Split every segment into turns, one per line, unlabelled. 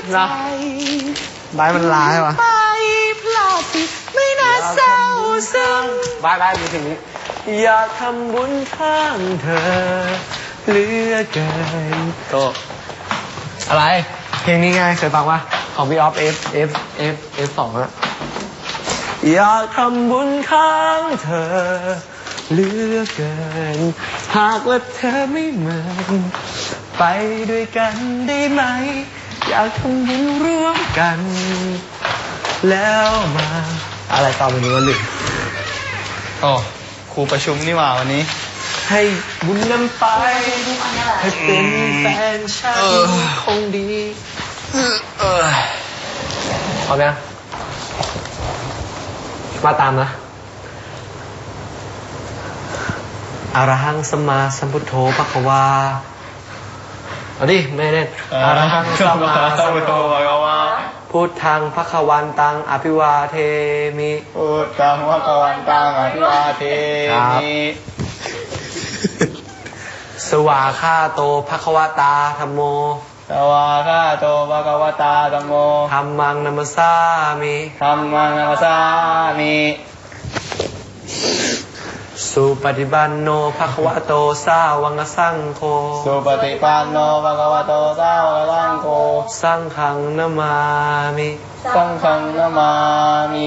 นะบายมันลาใช่ปะไม่น่าเศร้าซึ้งบายมีถึงนี้อยากทำบุญข้างเธอเหลือเกินโตอะไรเพลงนี้ไงเคยฟังปะของพี่ออฟF2อะอยากทำบุญข้างเธอเหลือเกินหากว่าเธอไม่เหมือนไปด้วยกันได้ไหมอยากทำบุญร่วมกันแล้วมาอะไรต่อไปนี้วะลืม
โอ้ครูประชุมนี่หว่าวันนี้
ให้บุญนำไปให้เป็นแฟนฉันคงดีพร้อมยังมาตามนะอะระหังสัมมาสัมพุทโธภควาเอาดิไม่เล่นอะระหังสัมมาสัมพุทโธภควาพุทธังภควันตังอภิวาเทมิ
พุทธังภควันตังอภิวาเทมิ
สวาคาโตภควตาธัมโม
สวาคาโตภควตาธัมโม
ธัมมังนัมสสามิ
ธัมมังนัมสสามิ
สุปฏิปันโนภควโตสาวกสังโฆ
สุปฏิปันโนภควโตสาวกสังโฆ
สังฆังนามามิ
สังฆังนามามิ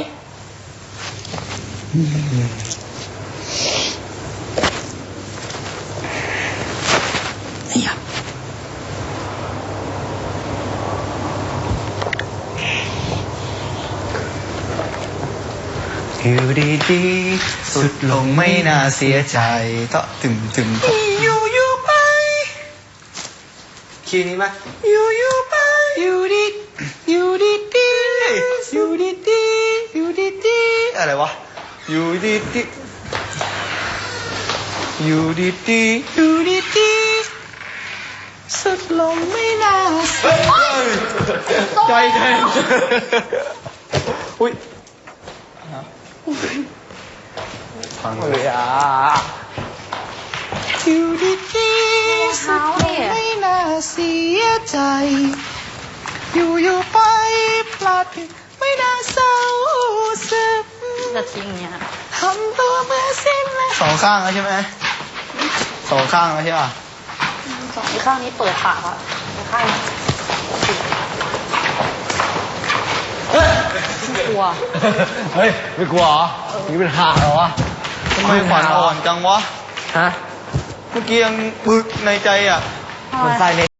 อยู่ดีๆสุดลงไม่น่าเสียใจ
เตาะตึม
อยู่ไปคีย์นี้ไหมอยู่ไปอยู่ดี
อะไรวะอยู่ดี
สุดลงไม่น่าเสีย
ใจ
อุ้ยฟังเลยอ่ะอยู่ดีๆสุดลงไม่น่าเสียใจอยู่ไปพลาดผิดไม่น่าเศร้าซึม
จะทิ้งเนี้ย
ทำตัวเมื่อสิ้นแล้ว
สองข้างแล้วใช่ไหมสองข้างแล้วใช่ป่ะ
สองข้างนี้เปิดปากอ่ะข้างไม่กลัว
เฮ้ยไม่กลัวเหรอนี่เป็นห่าเหรอวะ
ทำไมขวัญอ่อนจังวะ
ฮะ
เมื่อกี้ยังบึกในใจอ่ะ
มันใส่ใน